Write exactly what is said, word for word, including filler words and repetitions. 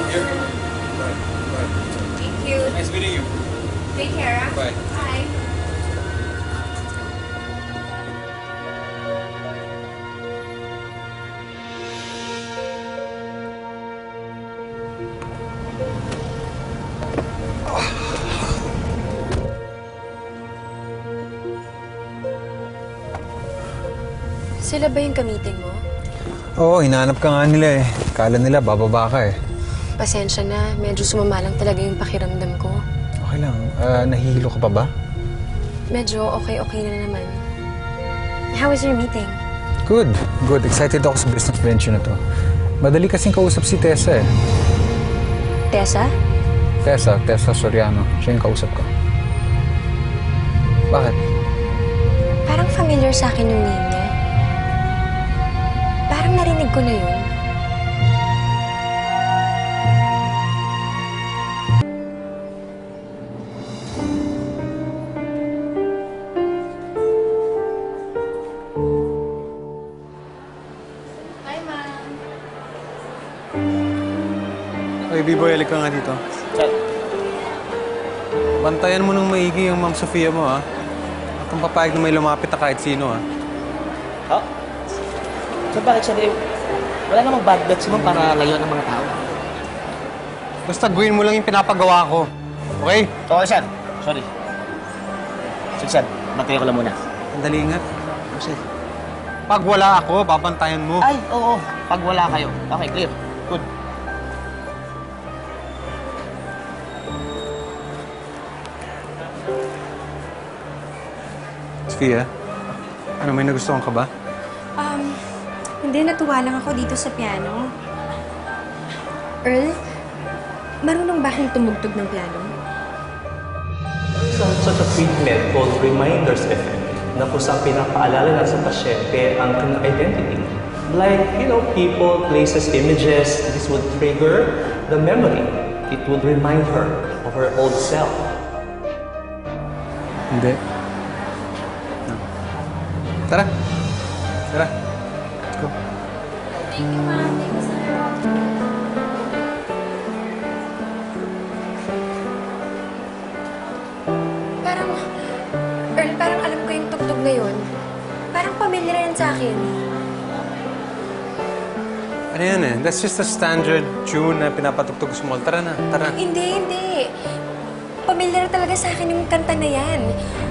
Here. Bye. Bye. Thank you. Nice meeting you. Take care, ah. Bye. Bye. Sila ba yung kamiting mo? Oo, hinahanap ka nga nila eh. Kala nila bababa ka eh. Pasensya na, medyo sumama lang talaga yung pakiramdam ko. Okay lang. Ah, nahihilo ka pa ba? Medyo okay-okay na naman. How was your meeting? Good. Good. Excited ako sa business venture na to. Madali kasing kausap si Tessa eh. Tessa? Tessa, Tessa Soriano. Siya yung kausap ko. Bakit? Parang familiar sa akin yung name niya. Parang narinig ko na yun. Hi, ma'am. Oy, B-boy, halika nga dito. Sir, Bantayan mo nung maigi yung Ma'am Sofia mo, ha? At kung papayag na may lumapit na kahit sino, ha? ha? Sir, bakit siya eh? Wala namang bad blood si Ma'am para layuan ng mga tao. Basta gawin mo lang yung pinapagawa ko. Okay? Okay, sir. Sorry. Sir, sir, bantayan ko lang muna. Sandali ingat. Sir. Pag wala ako, babantayan mo. Ay, oo. Pag wala kayo. Okay, clear. Good. Sofia, ano, may nagustuhan ka ba? Um, hindi, natuwa lang ako dito sa piano. Earl, marunong ba akong tumugtog ng piano? Isang such a treatment called reminder's effect na kusang pinapaalala lang sa pasyente ang kanyang identity. Like, you know, people, places, images, this would trigger the memory. It would remind her of her old self. Hindi. No. Tara. Tara. Let's go. Thank you, ma'am. Thank you, sir. Parang, Earl, parang alam ko yung tugtog na yun. Parang pamilyar yan sa akin. Ano yan eh? That's just a standard tune na pinapatugtog sa mall. Tara na, tara. Hindi, hindi. Pamilyar talaga sa akin yung kanta na yan.